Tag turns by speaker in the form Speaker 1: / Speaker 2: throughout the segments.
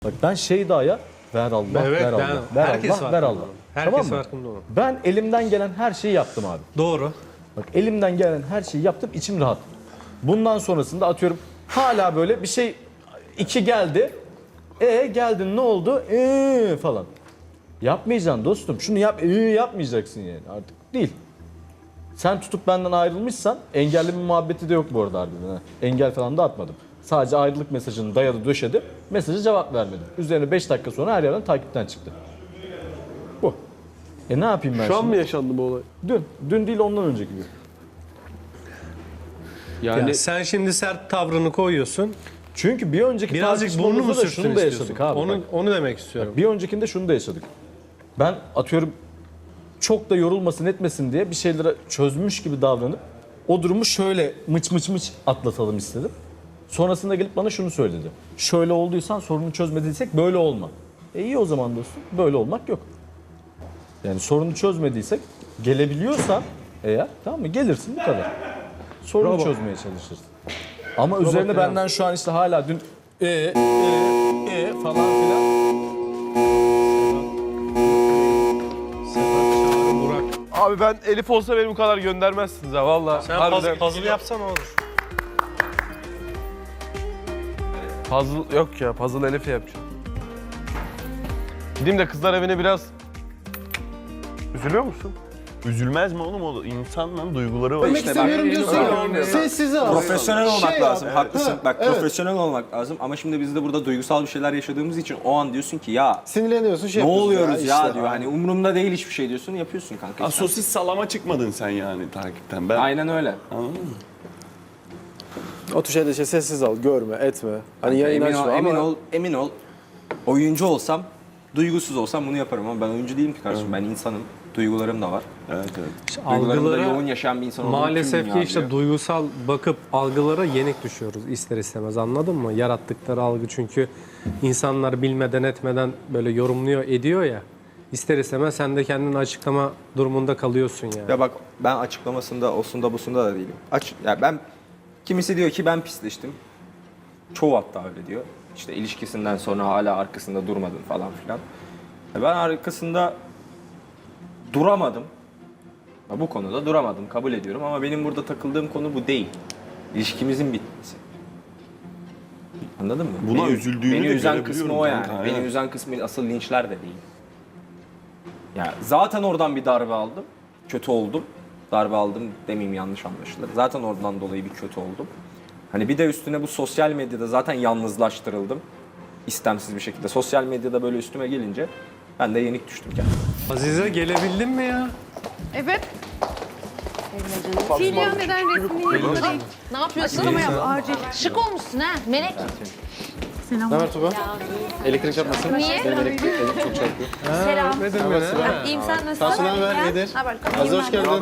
Speaker 1: Bak ben Şeyda'ya ver Allah,
Speaker 2: Evet,
Speaker 1: ver Allah, ver
Speaker 2: herkes
Speaker 1: Allah, ver Allah.
Speaker 2: Herkes
Speaker 1: Tamam mı?
Speaker 2: farkında onun.
Speaker 1: Ben elimden gelen her şeyi yaptım abi.
Speaker 2: Doğru.
Speaker 1: Bak elimden gelen her şeyi yaptım, içim rahat. Bundan sonrasında atıyorum hala böyle bir şey iki geldi. Geldin ne oldu? Falan. Yapmayacaksın dostum. Şunu yap, yapmayacaksın yani artık değil. Sen tutup benden ayrılmışsan engelli bir muhabbeti de yok bu arada harbiden. Ha. Engel falan da atmadım. Sadece ayrılık mesajını dayadı döşedi. Mesajı cevap vermedim. Üzerine 5 dakika sonra her yerden takipten çıktı. Bu. Ne yapayım ben
Speaker 3: Şu an
Speaker 1: şimdi?
Speaker 3: mı yaşandı bu olay?
Speaker 1: Dün. Dün değil ondan önceki gün.
Speaker 3: Yani
Speaker 2: Ya sen şimdi sert tavrını koyuyorsun.
Speaker 1: Çünkü bir önceki
Speaker 2: Birazcık burnu mu
Speaker 1: tartışmamızda da
Speaker 2: sürtsün
Speaker 1: şunu da
Speaker 2: istiyorsun?
Speaker 1: yaşadık abi. Bak.
Speaker 2: Onu demek istiyorum.
Speaker 1: Bir öncekinde şunu da yaşadık. Ben atıyorum çok da yorulmasın etmesin diye bir şeyleri çözmüş gibi davranıp o durumu şöyle mıç mıç mıç atlatalım istedim. Sonrasında gelip bana şunu söyledi. Şöyle olduysan sorunu çözmediysek böyle olma. İyi o zaman dostum. Böyle olmak yok. Yani sorunu çözmediysek gelebiliyorsan eğer tamam mı gelirsin bu kadar. Sorunu çözmeye çalışırsın. Ama üzerine benden şu an işte hala dün falan filan.
Speaker 2: Burak.
Speaker 3: abi ben Elif olsa beni bu kadar göndermezsiniz ha valla.
Speaker 2: Sen puzzle yapsan olur.
Speaker 3: Puzzle yok ya, puzzle Elif'e yapacağım. Gideyim de kızlar evine biraz... Üzülüyor musun?
Speaker 4: Üzülmez mi oğlum o insanların duyguları var.
Speaker 5: Demek istemiyorum diyorsun ya. Sessiz al.
Speaker 6: Profesyonel olmak
Speaker 5: Şey
Speaker 6: lazım.
Speaker 5: yap.
Speaker 6: Haklısın.
Speaker 5: Ha,
Speaker 6: Bak
Speaker 5: evet.
Speaker 6: profesyonel olmak lazım ama şimdi biz de burada duygusal bir şeyler yaşadığımız için o an diyorsun ki ya
Speaker 5: Sinirleniyorsun şey
Speaker 6: ne
Speaker 5: yapıyorsun
Speaker 6: oluyoruz ya
Speaker 5: işte.
Speaker 6: diyor. Hani umurumda değil hiçbir şey diyorsun yapıyorsun kanka.
Speaker 4: Ha, sosis salama çıkmadın sen yani takipten. Ben
Speaker 6: Aynen öyle.
Speaker 4: anladın mı?
Speaker 5: O tür şeyde işte sessiz al, görme, etme. Hani yayın
Speaker 6: Emin
Speaker 5: açma
Speaker 6: ol,
Speaker 5: ama...
Speaker 6: emin ol. Oyuncu olsam, duygusuz olsam bunu yaparım ama ben oyuncu değilim ki kardeşim. Ben insanım. Duygularım da var.
Speaker 4: Evet evet.
Speaker 6: Duygularımı da yoğun
Speaker 2: Algılara
Speaker 6: yaşayan bir insan olduğum
Speaker 2: maalesef
Speaker 6: tüm
Speaker 2: ki
Speaker 6: dünya
Speaker 2: işte
Speaker 6: biliyor.
Speaker 2: duygusal bakıp algılara yenik düşüyoruz ister istemez, anladın mı? Yarattıkları algı çünkü insanlar bilmeden etmeden böyle yorumluyor ediyor ya. İster istemez sen de kendini açıklama durumunda kalıyorsun yani.
Speaker 6: Ya bak ben açıklamasında, osunda busunda da değilim. Ya ben kimisi diyor ki ben pisleştim. Çoğu hatta öyle diyor. İşte ilişkisinden sonra hala arkasında durmadın falan filan. Ya ben arkasında duramadım. Ya bu konuda duramadım, kabul ediyorum ama benim burada takıldığım konu bu değil. İlişkimizin bitmesi. Anladın mı?
Speaker 4: Buna üzüldüğünü
Speaker 6: beni
Speaker 4: de
Speaker 6: üzen kısmı o yani.
Speaker 4: kanka,
Speaker 6: Beni
Speaker 4: evet.
Speaker 6: üzen kısmı asıl linçler de değil. Ya zaten oradan bir darbe aldım. Kötü oldum. Darbe aldım demeyeyim yanlış anlaşılır. Zaten oradan dolayı bir kötü oldum. Hani bir de üstüne bu sosyal medyada zaten yalnızlaştırıldım. İstemsiz bir şekilde. Sosyal medyada böyle üstüme gelince ben de yenik düştüm kendime.
Speaker 2: Azize gelebildin mi ya?
Speaker 7: Evet. Silya neden resmini
Speaker 8: Ne yapıyorsun?
Speaker 7: açıklama yap acil.
Speaker 8: Şık olmuşsun ha Melek.
Speaker 5: Ne haber Tuba? Elektrik çarpmasın.
Speaker 8: Niye?
Speaker 5: Benim elektrik çok çarpıyor.
Speaker 2: Selam. Ne demek?
Speaker 8: İyiyim sen nasılsın?
Speaker 5: Sen ne haber? Nedir?
Speaker 8: Haber.
Speaker 5: Azra hoş geldin.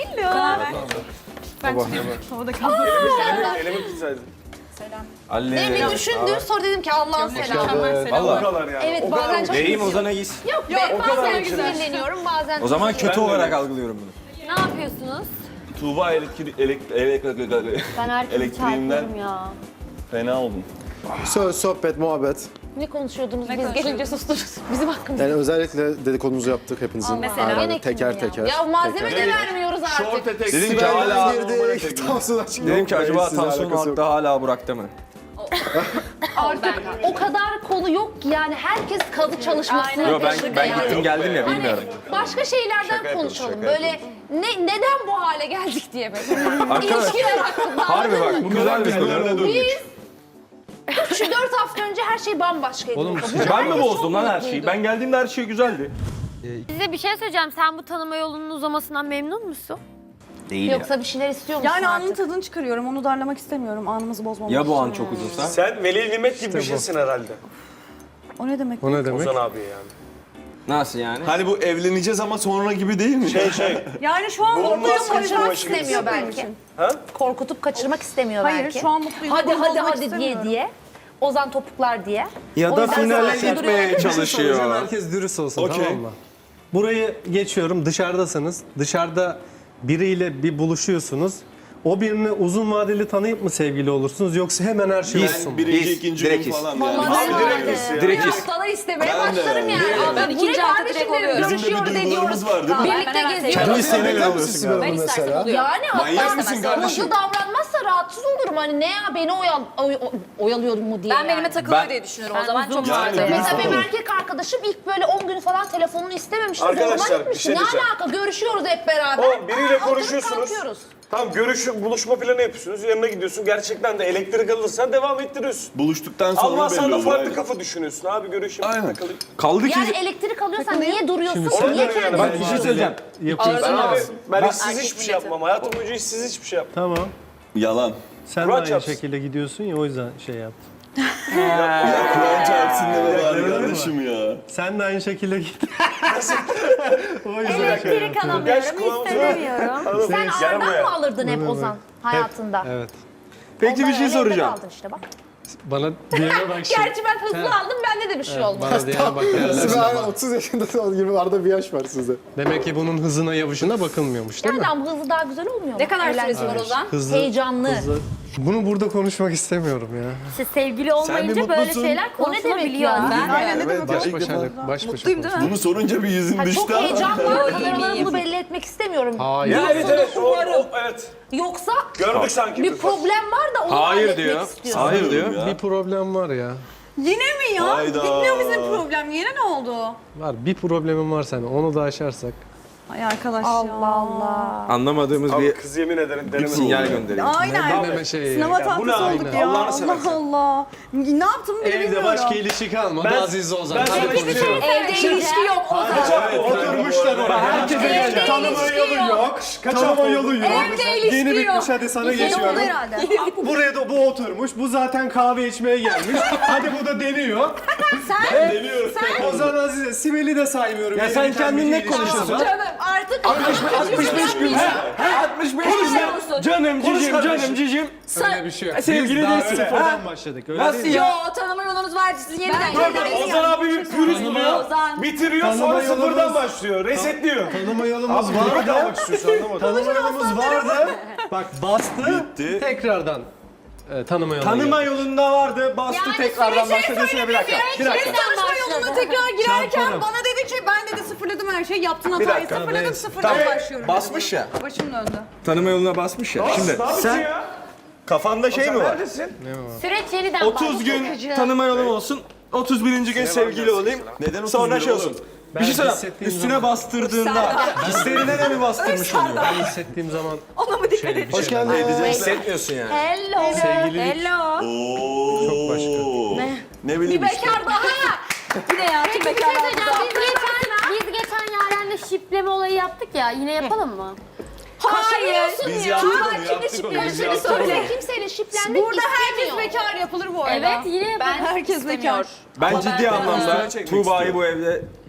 Speaker 7: Ben çıkıyorum. Havada kaldım.
Speaker 3: Elimi tutsaydın.
Speaker 8: Beni bir düşündü sonra dedim ki Allah'ın selamı.
Speaker 6: Vallahi.
Speaker 8: Evet bazen çok
Speaker 6: Vereyim Ozan'a gitsin.
Speaker 8: Yok bazen sinirleniyorum bazen.
Speaker 6: O zaman kötü olarak algılıyorum bunu.
Speaker 8: Ne yapıyorsunuz?
Speaker 4: Tuğba
Speaker 8: Ben herkesi
Speaker 4: elektriğinden
Speaker 8: çarpıyorum ya.
Speaker 4: fena oldum.
Speaker 5: Söz, sohbet, muhabbet.
Speaker 8: Ne konuşuyordunuz? Biz gelince sustunuz. Bizim hakkımızda.
Speaker 5: Yani özellikle dedikodumuzu yaptık hepinizin.
Speaker 8: Mesela
Speaker 5: Aynen,
Speaker 8: gene
Speaker 5: teker
Speaker 8: kim ya?
Speaker 5: teker.
Speaker 8: Ya malzeme de vermiyoruz artık.
Speaker 6: Dedim ki hala
Speaker 5: girdik. Tansiyon açık.
Speaker 6: dedim ki acaba
Speaker 5: Sizle
Speaker 6: Tansu'nun
Speaker 5: alakası yok.
Speaker 6: hatta hala Burak'ta mı?
Speaker 8: Artık o kadar konu yok ki yani herkes kazı çalışmasına
Speaker 6: Yo
Speaker 8: peşinde
Speaker 6: ben
Speaker 8: yani.
Speaker 6: gittim geldim ya bilmiyorum.
Speaker 8: Başka şeylerden konuşalım. Böyle neden bu hale geldik diye böyle.
Speaker 6: Arkadaş,
Speaker 8: İlişkiler hakkında.
Speaker 6: harbi
Speaker 8: anladın
Speaker 6: bak
Speaker 8: mı?
Speaker 6: bu güzel bir konu.
Speaker 8: Biz 3-4 hafta önce her şey bambaşkaydı.
Speaker 2: Oğlum,
Speaker 6: Ben mi bozdum lan her şeyi? Ben geldiğimde her şey güzeldi.
Speaker 9: Size bir şey söyleyeceğim. Sen bu tanıma yolunun uzamasından memnun musun?
Speaker 6: Değil
Speaker 8: Yoksa bir şeyler istiyor musun
Speaker 7: Yani anın
Speaker 8: artık?
Speaker 7: tadını çıkarıyorum. Onu darlamak istemiyorum. Anımızı bozmamak
Speaker 6: Ya bu an
Speaker 7: için
Speaker 6: çok
Speaker 7: yani.
Speaker 6: uzunsa?
Speaker 3: Sen veli nimet gibi bir şeysin herhalde.
Speaker 7: O ne demek?
Speaker 2: O ne demek?
Speaker 3: Ozan abi yani.
Speaker 6: Nasıl yani?
Speaker 4: Hani bu evleneceğiz ama sonra gibi değil mi?
Speaker 7: Yani şu an mutluyum.
Speaker 8: Kaçırmak istemiyor belki. Korkutup kaçırmak istemiyor
Speaker 7: Hayır
Speaker 8: belki.
Speaker 7: şu an mutluyum.
Speaker 8: Hadi
Speaker 7: Bunu
Speaker 8: hadi
Speaker 7: bozmak
Speaker 8: hadi
Speaker 7: istemiyorum.
Speaker 8: diye. Ozan topuklar diye.
Speaker 6: Ya
Speaker 8: O
Speaker 6: da
Speaker 8: yüzden
Speaker 6: finale
Speaker 8: savaşta
Speaker 6: gitmeye
Speaker 8: duruyor.
Speaker 6: çalışıyor.
Speaker 2: Herkes dürüst olsun
Speaker 4: Okey.
Speaker 2: tamam mı? Burayı geçiyorum, dışarıdasınız. Dışarıda biriyle bir buluşuyorsunuz. O birini uzun vadeli tanıyıp mı sevgili olursunuz yoksa hemen her şey olsun mu?
Speaker 4: Birinci, ikinci
Speaker 6: direkt
Speaker 4: gün
Speaker 6: his.
Speaker 4: falan
Speaker 8: Vallahi
Speaker 4: yani.
Speaker 8: direkt
Speaker 6: Direkt
Speaker 8: bir
Speaker 6: his.
Speaker 8: haftada istemeye
Speaker 4: Ben de
Speaker 8: başlarım
Speaker 4: yani.
Speaker 8: yani.
Speaker 7: Ben ikinci hafta direkt oluyorum.
Speaker 4: Bizim de bir
Speaker 8: Görüşüyoruz,
Speaker 4: duygularımız
Speaker 8: ediyoruz.
Speaker 4: var değil mi?
Speaker 8: Birlikte
Speaker 7: Ben
Speaker 8: geziyoruz.
Speaker 7: hemen
Speaker 3: Seneler alıyorsun galiba
Speaker 7: Ben istersen
Speaker 3: mesela.
Speaker 7: oluyor.
Speaker 8: Yani
Speaker 4: Manyak
Speaker 8: hatta
Speaker 4: mısın kardeşim?
Speaker 8: hızlı davranmazsa rahatsız olurum. Hani ne ya beni oyalıyor mu diye.
Speaker 7: Ben benime
Speaker 8: yani.
Speaker 7: takılıyor diye düşünüyorum. O zaman çok
Speaker 4: Yani
Speaker 7: farklı.
Speaker 8: Mesela benim erkek arkadaşım ilk böyle 10 gün falan telefonunu istememişti.
Speaker 3: Arkadaşlar,
Speaker 8: Zoruma
Speaker 3: bir
Speaker 8: gitmişti.
Speaker 3: şey
Speaker 8: Ne
Speaker 3: diyeceğim.
Speaker 8: alaka? Görüşüyoruz hep beraber.
Speaker 3: O biriyle
Speaker 8: Oturup
Speaker 3: konuşuyorsunuz.
Speaker 8: kalkıyoruz.
Speaker 3: Tamam buluşma planı yapıyorsunuz. Yanına gidiyorsun. Gerçekten de elektrik alırsan devam ettiriyorsun.
Speaker 4: Buluştuktan sonra
Speaker 3: Almazsan
Speaker 4: belli
Speaker 3: da
Speaker 4: olur.
Speaker 3: farklı
Speaker 4: aynen.
Speaker 3: kafa düşünüyorsun. Abi görüşeyim.
Speaker 4: Aynen.
Speaker 3: Takılayım.
Speaker 6: Kaldı ki...
Speaker 8: Yani elektrik alıyorsan niye duruyorsun?
Speaker 3: Ona
Speaker 8: Niye
Speaker 3: göre
Speaker 8: kendini
Speaker 3: yani.
Speaker 1: Bak bir şey söyleyeceğim.
Speaker 2: Yapıyorsun.
Speaker 3: Ben abi ben işsiz
Speaker 7: Erkek
Speaker 3: hiçbir şey
Speaker 7: milleti.
Speaker 3: yapmam. Hayatım boyunca işsiz hiçbir şey yapmam.
Speaker 2: Tamam.
Speaker 4: Yalan.
Speaker 2: Sen de
Speaker 3: Kur'an
Speaker 2: aynı
Speaker 3: çarpsın.
Speaker 2: şekilde gidiyorsun ya o yüzden şey yaptım.
Speaker 4: Ya Kur'an çarpsın deme bari kardeşim ya.
Speaker 2: Sen de aynı şekilde git. o yüzden
Speaker 9: Elektrik
Speaker 3: Gerçi
Speaker 9: alamıyorum,
Speaker 3: kulağımıza-
Speaker 9: istemiyorum.
Speaker 3: Anladın
Speaker 8: Sen
Speaker 3: mı? Gel
Speaker 8: ağırdan
Speaker 3: buraya.
Speaker 8: mı alırdın hep Ozan hayatında?
Speaker 2: Evet.
Speaker 6: Peki bir
Speaker 8: Ondan
Speaker 6: şey
Speaker 8: öyle evde
Speaker 6: soracağım.
Speaker 8: kaldın işte bak.
Speaker 2: Bana diyene bak şimdi.
Speaker 8: Gerçi ben hızlı aldım bende de bir şey olmadı.
Speaker 2: Bana diyene bak.
Speaker 3: Siz
Speaker 2: derler.
Speaker 3: abi 30 yaşında gibi arada bir yaş var sizde.
Speaker 2: Demek ki bunun hızına yavuşuna bakılmıyormuş değil mi?
Speaker 8: Yani ama hızlı daha güzel olmuyor mu?
Speaker 7: Ne kadar
Speaker 8: Eğlenceli.
Speaker 7: süresi var Ozan?
Speaker 2: Hızlı,
Speaker 8: Heyecanlı.
Speaker 2: hızlı. Bunu burada konuşmak istemiyorum ya.
Speaker 9: İşte sevgili olmayınca böyle
Speaker 4: mutlusun.
Speaker 9: şeyler
Speaker 8: O ne demek
Speaker 9: konuşulabiliyor.
Speaker 8: ya?
Speaker 7: Aynen ne
Speaker 4: Evet,
Speaker 7: demek o?
Speaker 2: Baş
Speaker 4: ilk
Speaker 2: başa,
Speaker 4: defa.
Speaker 2: baş başa.
Speaker 7: Mutluyum değil mi?
Speaker 4: Bunu sorunca bir yüzün
Speaker 8: Ha,
Speaker 4: düştü
Speaker 8: çok
Speaker 4: ama.
Speaker 8: heyecanlı kameralara bunu belli etmek istemiyorum.
Speaker 2: Hayır.
Speaker 3: Evet evet. Evet.
Speaker 8: Yoksa
Speaker 3: Gördük sanki.
Speaker 8: bir problem var da onu halletmek istiyorum.
Speaker 6: Hayır diyor.
Speaker 4: Ya.
Speaker 2: Bir problem var ya.
Speaker 7: Yine mi ya?
Speaker 4: Hayda.
Speaker 7: Bitmiyor bizim problem. Yine ne oldu?
Speaker 2: Var. Bir problemim var senin. Onu da aşarsak.
Speaker 7: Ay arkadaş
Speaker 8: Allah
Speaker 7: ya.
Speaker 8: Allah.
Speaker 1: Anlamadığımız
Speaker 3: Abi
Speaker 1: bir
Speaker 3: kız yemin ederim denemedim.
Speaker 1: sinyal gönderiyor.
Speaker 7: Aynen.
Speaker 2: Deneme şeyi.
Speaker 7: Sınav
Speaker 3: bu ne
Speaker 7: hatası
Speaker 3: abi?
Speaker 7: olduk ya.
Speaker 3: Allah'ını
Speaker 7: Allah
Speaker 3: seversen.
Speaker 7: Allah. Ne yaptım bile
Speaker 2: Evde
Speaker 7: bilmiyorum.
Speaker 2: başka ilişki kalmadı.
Speaker 3: Ben-
Speaker 2: Aziz Ozan.
Speaker 3: ben
Speaker 2: Hadi
Speaker 3: sana hiçbir şey-
Speaker 2: konuşalım.
Speaker 8: Evde ilişki yok Ozan.
Speaker 3: Oturmuşlar oraya. Herkese
Speaker 8: Evde
Speaker 3: tanıma
Speaker 8: ilişki
Speaker 3: yolu
Speaker 8: yok.
Speaker 3: yok. Tanıma yolu yok.
Speaker 7: Evde ilişki
Speaker 3: Yeni
Speaker 7: yok.
Speaker 3: bitmiş hadi sana
Speaker 7: Yeni oldu
Speaker 3: geçiyorum.
Speaker 7: herhalde.
Speaker 3: Buraya da bu oturmuş. Bu zaten kahve içmeye gelmiş. Hadi bu da deniyor. Ozan Azize, Sibel'i de saymıyorum.
Speaker 1: Ya
Speaker 3: Yeni
Speaker 1: sen
Speaker 3: biten
Speaker 1: kendin
Speaker 3: bir
Speaker 1: ne
Speaker 3: ilişki
Speaker 1: konuşuyorsun?
Speaker 3: var.
Speaker 7: Canım artık
Speaker 1: 65 gün. 65 gün. Canım cicim, canım cicim.
Speaker 2: Öyle bir şey yok.
Speaker 1: Sevgili
Speaker 2: Biz daha
Speaker 1: değilsin.
Speaker 2: sıfırdan başladık. Öyle
Speaker 1: Nasıl
Speaker 2: değil mi?
Speaker 1: ya?
Speaker 7: Yo tanıma yolunuz var sizin yeniden.
Speaker 3: Ozan abi bir pürüz buluyor.
Speaker 7: Ozan.
Speaker 3: Bitiriyor
Speaker 2: Tanıma
Speaker 3: sonra
Speaker 2: yolumuz-
Speaker 3: sıfırdan başlıyor. Resetliyor.
Speaker 2: Tanıma yolumuz
Speaker 3: Abi burada
Speaker 2: vardı.
Speaker 3: kalmak istiyorsun anlamadım.
Speaker 2: Tanıma yolumuz vardı. Bak bastı.
Speaker 4: Bitti.
Speaker 2: Tekrardan tanıma yoluna
Speaker 1: Tanıma
Speaker 2: geldik.
Speaker 1: yolunda vardı, bastı tekrardan başladı. Bir dakika. Bir dakika.
Speaker 7: Tanışma yoluna tekrar girerken
Speaker 2: Çarparım.
Speaker 7: bana dedi ki ben dedi sıfırladım her şeyi yaptın hatayı
Speaker 3: dakika,
Speaker 7: sıfırladım
Speaker 2: neyse.
Speaker 7: sıfırdan başlıyorum.
Speaker 1: Basmış ya.
Speaker 7: Başım döndü.
Speaker 1: Tanıma yoluna basmış ya. Şimdi sen kafanda şey mi var?
Speaker 3: Neredesin?
Speaker 9: Süreç yeniden
Speaker 1: 30 gün tanıma yolum olsun. 31. gün sevgili olayım.
Speaker 4: Neden 30
Speaker 1: Sonra
Speaker 4: gün
Speaker 1: şey
Speaker 4: oğlum?
Speaker 1: olsun.
Speaker 2: Ben
Speaker 1: Bir şey söyleyeyim.
Speaker 2: hissettiğim
Speaker 1: Üstüne
Speaker 2: zaman-
Speaker 1: bastırdığında hislerine de mi bastırmış oluyor?
Speaker 2: Ben hissettiğim zaman
Speaker 7: Ona mı dikkat et?
Speaker 2: hoş geldin.
Speaker 1: Hissetmiyorsun yani.
Speaker 8: Hello.
Speaker 2: Sevgililik
Speaker 7: Hello.
Speaker 4: Oo.
Speaker 2: çok başka.
Speaker 4: Ne bileyim
Speaker 8: Bir
Speaker 4: işte.
Speaker 8: bekar daha.
Speaker 7: Yine ya tüm bekarlar burada.
Speaker 9: Biz geçen Yaren'le şipleme olayı yaptık ya. Yine yapalım mı?
Speaker 8: Hayır.
Speaker 4: Biz
Speaker 8: ya.
Speaker 4: yaptık
Speaker 8: Tuğba
Speaker 4: onu,
Speaker 8: kimle
Speaker 4: yaptık onu, biz
Speaker 8: şiplendiğini
Speaker 4: yaptık
Speaker 8: söyle.
Speaker 4: onu.
Speaker 8: Kimseyle şiplenmek
Speaker 7: Burada herkes
Speaker 8: istemiyor.
Speaker 7: bekar yapılır bu arada.
Speaker 9: Evet, yine yapalım.
Speaker 7: Ben herkes bekar.
Speaker 1: Ben ciddi anlamda Tuğba'yı bu evde